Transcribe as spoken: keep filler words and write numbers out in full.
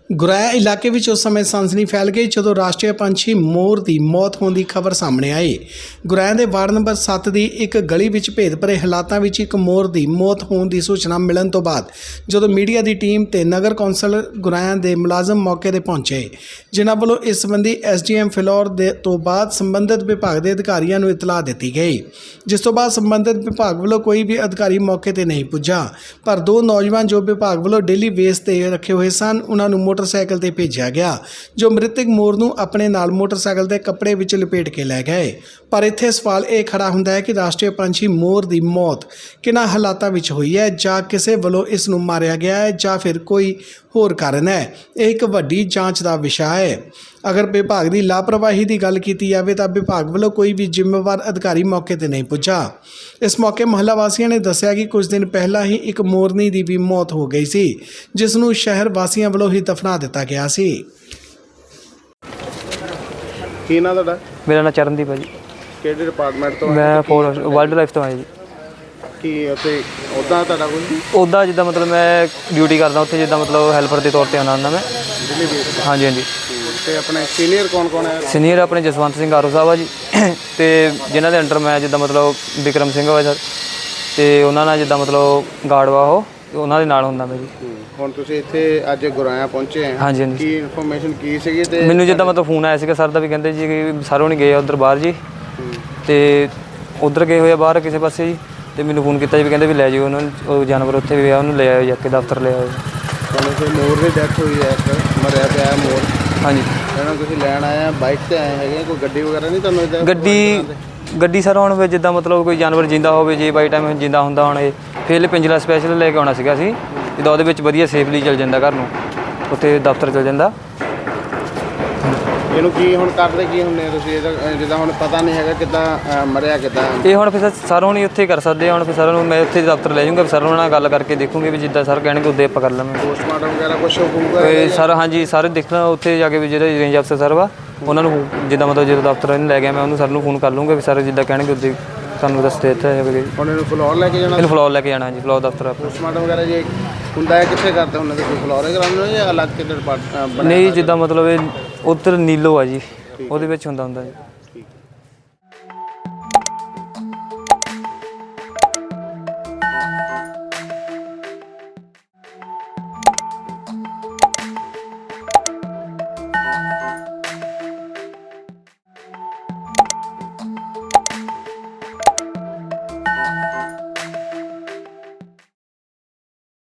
ਗੁਰੈਆ ਇਲਾਕੇ ਵਿੱਚ ਉਸ ਸਮੇਂ ਸਨਸਨੀ ਫੈਲ ਗਈ ਜਦੋਂ ਰਾਸ਼ਟਰੀ ਪੰਛੀ ਮੋਰ ਦੀ ਮੌਤ ਹੋਣ ਦੀ ਖਬਰ ਸਾਹਮਣੇ ਆਈ। ਗੁਰੈਆ ਦੇ ਵਾਰਡ ਨੰਬਰ ਸੱਤ ਦੀ ਇੱਕ ਗਲੀ ਵਿੱਚ ਭੇਦ ਭਰੇ ਹਾਲਾਤਾਂ ਵਿੱਚ ਇੱਕ ਮੋਰ ਦੀ ਮੌਤ ਹੋਣ ਦੀ ਸੂਚਨਾ ਮਿਲਣ ਤੋਂ ਬਾਅਦ ਜਦੋਂ ਮੀਡੀਆ ਦੀ ਟੀਮ ਤੇ ਨਗਰ ਕੌਂਸਲ ਗੁਰੈਆ ਦੇ ਮੁਲਾਜ਼ਮ ਮੌਕੇ ਤੇ ਪਹੁੰਚੇ, ਜਿਨ੍ਹਾਂ ਵੱਲੋਂ ਇਸ ਸੰਬੰਧੀ ਐਸ ਡੀ ਐਮ ਫਿਲੌਰ ਦੇ ਤੋਂ ਬਾਅਦ ਸੰਬੰਧਿਤ ਵਿਭਾਗ ਦੇ ਅਧਿਕਾਰੀਆਂ ਨੂੰ ਇਤਲਾਹ ਦਿੱਤੀ ਗਈ, ਜਿਸ ਤੋਂ ਬਾਅਦ ਸੰਬੰਧਿਤ ਵਿਭਾਗ ਵੱਲੋਂ ਕੋਈ ਵੀ ਅਧਿਕਾਰੀ ਮੌਕੇ ਤੇ ਨਹੀਂ ਪੁੱਜਾ। ਪਰ ਦੋ ਨੌਜਵਾਨ ਜੋ ਵਿਭਾਗ ਵੱਲੋਂ ਡੇਲੀ ਵੇਸ ਤੇ ਰੱਖੇ ਹੋਏ ਸਨ, ਉਹਨਾਂ ਨੂੰ ਮੋਟਰਸਾਈਕਲ ਤੇ ਭੇਜਿਆ ਗਿਆ, ਜੋ ਮ੍ਰਿਤਕ ਮੋਰ ਨੂੰ ਆਪਣੇ ਨਾਲ ਮੋਟਰਸਾਈਕਲ ਦੇ ਕੱਪੜੇ ਵਿੱਚ ਲਪੇਟ ਕੇ ਲੈ ਗਏ। ਪਰ ਇੱਥੇ ਸਵਾਲ ਇਹ ਖੜਾ ਹੁੰਦਾ ਹੈ ਕਿ ਰਾਸ਼ਟਰੀ ਪੰਛੀ ਮੋਰ ਦੀ ਮੌਤ ਕਿਹਨਾਂ ਹਾਲਾਤਾਂ ਵਿੱਚ ਹੋਈ ਹੈ, ਜਾਂ ਕਿਸੇ ਵੱਲੋਂ ਇਸ ਨੂੰ ਮਾਰਿਆ ਗਿਆ ਹੈ ਜਾਂ ਫਿਰ ਕੋਈ ਹੋਰ ਕਾਰਨ ਹੈ। ਇਹ ਇੱਕ ਵੱਡੀ ਜਾਂਚ ਦਾ ਵਿਸ਼ਾ ਹੈ। ਅਗਰ ਵਿਭਾਗ ਦੀ ਲਾਪਰਵਾਹੀ ਦੀ ਗੱਲ ਕੀਤੀ ਜਾਵੇ ਤਾਂ ਵਿਭਾਗ ਵੱਲੋਂ ਕੋਈ ਵੀ ਜ਼ਿੰਮੇਵਾਰ ਅਧਿਕਾਰੀ ਮੌਕੇ ਤੇ ਨਹੀਂ ਪੁੱਜਾ। ਇਸ ਮੌਕੇ ਮਹੱਲਾ ਵਾਸੀਆਂ ਨੇ ਦੱਸਿਆ ਕਿ ਕੁਝ ਦਿਨ ਪਹਿਲਾਂ ਹੀ ਇੱਕ ਮੋਰਨੀ ਦੀ ਵੀ ਮੌਤ ਹੋ ਗਈ ਸੀ, ਜਿਸ ਨੂੰ ਸ਼ਹਿਰ ਵਾਸੀਆਂ ਵੱਲੋਂ ਹੀ ਦਫਨਾ ਦਿੱਤਾ ਗਿਆ ਸੀ। ਕੀ ਨਾਂ ਤੁਹਾਡਾ? ਮੇਰਾ ਨਾਂ ਚਰਨਦੀਪ ਹੈ ਜੀ। ਕਿਹੜੇ ਡਿਪਾਰਟਮੈਂਟ ਤੋਂ? ਮੈਂ ਫੋਰ ਵਾਈਲਡ ਲਾਈਫ ਤੋਂ ਆਇਆ ਜੀ। ਕੀ ਉੱਥੇ ਉੱਦਾਂ ਤੁਹਾਡਾ ਕੋਈ ਉੱਦਾਂ ਜਿੱਦਾਂ ਮਤਲਬ ਮੈਂ ਡਿਊਟੀ ਕਰਦਾ ਉੱਥੇ, ਜਿੱਦਾਂ ਮਤਲਬ ਹੈਲਪਰ ਦੇ ਤੌਰ ਤੇ ਆਉਣਾ ਹੁੰਦਾ ਮੈਂ। ਦਿੱਲੀ ਬੇਸ? ਹਾਂਜੀ ਹਾਂਜੀ। ਤੇ ਆਪਣੇ ਸੀਨੀਅਰ ਕੌਣ ਕੌਣ ਹੈ? ਸੀਨੀਅਰ ਆਪਣੇ ਜਸਵੰਤ ਸਿੰਘ ਆਰੋ ਸਾਹਿਬ ਆ ਜੀ, ਅਤੇ ਜਿਨ੍ਹਾਂ ਦੇ ਅੰਡਰ ਮੈਂ ਜਿੱਦਾਂ ਮਤਲਬ ਵਿਕਰਮ ਸਿੰਘ ਵਾ ਸਰ, ਅਤੇ ਉਹਨਾਂ ਨਾਲ ਜਿੱਦਾਂ ਮਤਲਬ ਗਾਰਡ ਵਾ ਉਹ, ਉਹਨਾਂ ਦੇ ਨਾਲ ਹੁੰਦਾ ਮੈਂ ਜੀ। ਹੁਣ ਤੁਸੀਂ ਇੱਥੇ ਅੱਜ ਗੁਰਾਇਆ ਪਹੁੰਚੇ ਆ? ਹਾਂਜੀ ਹਾਂਜੀ। ਕੀ ਇਨਫੋਰਮੇਸ਼ਨ ਕੀ ਸੀਗੀ? ਤੇ ਮੈਨੂੰ ਜਿੱਦਾਂ ਮਤਲਬ ਫੋਨ ਆਇਆ ਸੀਗਾ ਸਰ ਦਾ, ਵੀ ਕਹਿੰਦੇ ਜੀ ਕਿ ਸਰੋਂ ਨਹੀਂ ਗਏ ਉੱਧਰ ਬਾਹਰ ਜੀ, ਅਤੇ ਉੱਧਰ ਗਏ ਹੋਏ ਆ ਬਾਹਰ ਕਿਸੇ ਪਾਸੇ ਜੀ, ਅਤੇ ਮੈਨੂੰ ਫੋਨ ਕੀਤਾ ਜੀ, ਵੀ ਕਹਿੰਦੇ ਵੀ ਲੈ ਜਾਓ ਉਹਨਾਂ ਨੂੰ, ਉਹ ਜਾਨਵਰ ਉੱਥੇ ਵੀ ਆ, ਉਹਨੂੰ ਲੈ ਆਓ ਜਾ ਕੇ ਦਫ਼ਤਰ ਲੈ ਆਓ। ਤੁਹਾਨੂੰ ਕੋਈ ਮੋਰ ਦੀ ਡੈਥ ਹੋਈ ਹੈ, ਇੱਕ ਮਰਿਆ ਪਿਆ ਮੋਰ? ਹਾਂਜੀ। ਇਹਨਾਂ ਤੁਸੀਂ ਲੈਣ ਆਏ ਆ, ਬਾਈਕ ਤੇ ਆਏ ਹੈਗੇ? ਕੋਈ ਗੱਡੀ ਵਗੈਰਾ ਨਹੀਂ ਤੁਹਾਨੂੰ ਇੱਦਾਂ? ਗੱਡੀ ਗੱਡੀ ਸਰ ਹੁਣ ਵੀ ਜਿੱਦਾਂ ਮਤਲਬ ਕੋਈ ਜਾਨਵਰ ਜਿੰਦਾ ਹੋਵੇ, ਜੇ ਬਾਈ ਟਾਈਮ ਜਿੰਦਾ ਹੁੰਦਾ ਹੁਣ ਇਹ ਫਿਰ ਪਿੰਜਰਾ ਸਪੈਸ਼ਲ ਲੈ ਕੇ ਆਉਣਾ ਸੀਗਾ ਅਸੀਂ, ਜਿੱਦਾਂ ਉਹਦੇ ਵਿੱਚ ਵਧੀਆ ਸੇਫਲੀ ਚੱਲ ਜਾਂਦਾ ਘਰ ਨੂੰ, ਉੱਥੇ ਦਫ਼ਤਰ ਚੱਲ ਜਾਂਦਾ। ਇਹਨੂੰ ਕੀ ਹੁਣ ਕਰਦੇ ਕੀ ਹੁੰਦੇ ਤੁਸੀਂ? ਇਹਦਾ ਜਿੱਦਾਂ ਹੁਣ ਪਤਾ ਨਹੀਂ ਹੈਗਾ ਕਿੱਦਾਂ ਮਰਿਆ ਕਿੱਦਾਂ? ਇਹ ਹੁਣ ਫਿਰ ਸਰ ਹੁਣ ਉੱਥੇ ਕਰ ਸਕਦੇ ਆ। ਹੁਣ ਫਿਰ ਸਰ ਨੂੰ ਮੈਂ ਉੱਥੇ ਦਫ਼ਤਰ ਲੈ ਜਾਊਂਗਾ, ਸਰ ਉਹਨਾਂ ਨਾਲ ਗੱਲ ਕਰਕੇ ਦੇਖੂੰਗੇ ਵੀ ਜਿੱਦਾਂ ਸਰ ਕਹਿਣਗੇ ਉੱਦਾਂ ਆਪਾਂ ਕਰ ਲਵਾਂਗੇ। ਪੋਸਟਮਾਰਟਮ ਵਗੈਰਾ ਕੁਛ ਹੋਊਗਾ ਸਰ? ਹਾਂਜੀ, ਸਾਰੇ ਦੇਖਣਾ ਉੱਥੇ ਜਾ ਕੇ ਵੀ ਜਿਹੜਾ ਰੇਂਜ ਅਫਸਰ ਸਰ ਵਾ, ਉਹਨਾਂ ਨੂੰ ਜਿੱਦਾਂ ਮਤਲਬ ਜਦੋਂ ਦਫ਼ਤਰ ਇਹਨੂੰ ਲੈ ਗਿਆ ਮੈਂ ਉਹਨੂੰ ਸਰ ਨੂੰ ਫੋਨ ਕਰ ਲੂੰਗਾ, ਵੀ ਸਰ ਜਿੱਦਾਂ ਕਹਿਣਗੇ ਉੱਦਾਂ ਸਾਨੂੰ ਰਸਤੇ ਇੱਥੇ ਜਾਵੇ। ਹੁਣ ਇਹਨੂੰ ਫਲੋਰ ਲੈ ਕੇ ਜਾਣਾ? ਇਹਨੂੰ ਫਲੋਰ ਲੈ ਕੇ ਜਾਣਾ ਜੀ, ਫਲੋਰ ਦਫ਼ਤਰ। ਪੋਸਟਮਾਰਟਮ ਵਗੈਰਾ ਜੇ ਹੁੰਦਾ ਹੈ ਕਿੱਥੇ ਕਰਦੇ ਹੁੰਦੇ? ਤੁਸੀਂ ਫਲੋਰ ਹੀ ਕਰਾਉਂਦੇ ਹੋ ਜਾਂ ਅਲੱਗ ਕਿਤੇ ਡਿਪਾਰਟਮੈਂਟ? ਨਹੀਂ, ਜਿੱਦਾਂ ਮਤਲਬ ਇਹ ਉੱਧਰ ਨੀਲੋ ਆ ਜੀ, ਉਹਦੇ ਵਿੱਚ ਹੁੰਦਾ ਹੁੰਦਾ ਜੀ।